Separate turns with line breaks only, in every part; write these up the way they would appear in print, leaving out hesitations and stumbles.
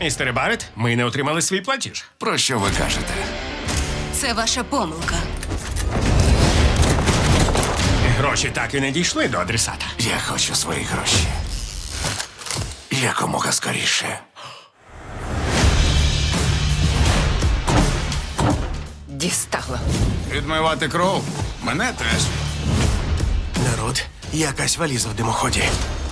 Містере Барет, ми не отримали свій платіж.
Про що ви кажете?
Це ваша помилка.
Гроші так і не дійшли до адресата.
Я хочу свої гроші. Якомога скоріше.
Дістало.
Відмивати кров? Мене теж.
Народ, якась валіза в димоході.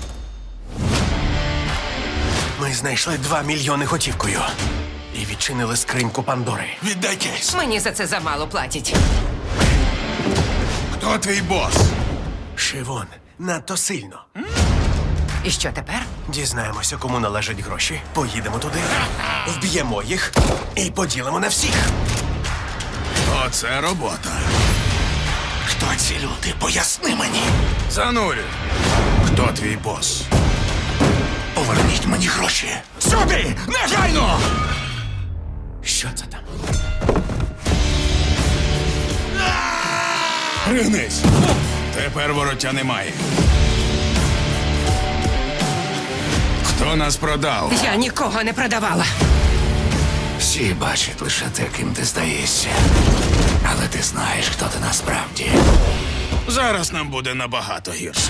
Ми знайшли 2 мільйони готівкою. І відчинили скриньку Пандори.
Віддайтесь.
Мені за це замало платять.
Хто твій бос?
Шивон, надто сильно.
І що тепер?
Дізнаємося, кому належать гроші. Поїдемо туди, вб'ємо їх і поділимо на всіх.
Оце робота. Хто ці люди? Поясни мені. Занурю. Хто твій бос? Поверніть мені гроші. Сюди! Негайно!
Що це там?
Пригнись! Тепер вороття немає. Хто нас продав?
Я нікого не продавала.
Всі бачать лише те, ким ти здаєшся. Але ти знаєш, хто ти насправді. Зараз нам буде набагато гірше.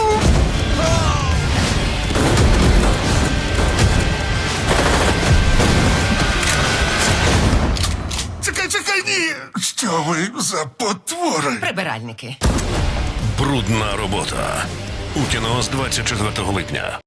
Чекай, ні! Що ви за потвори?
Прибиральники.
Брудна робота. У кіно з 24 липня.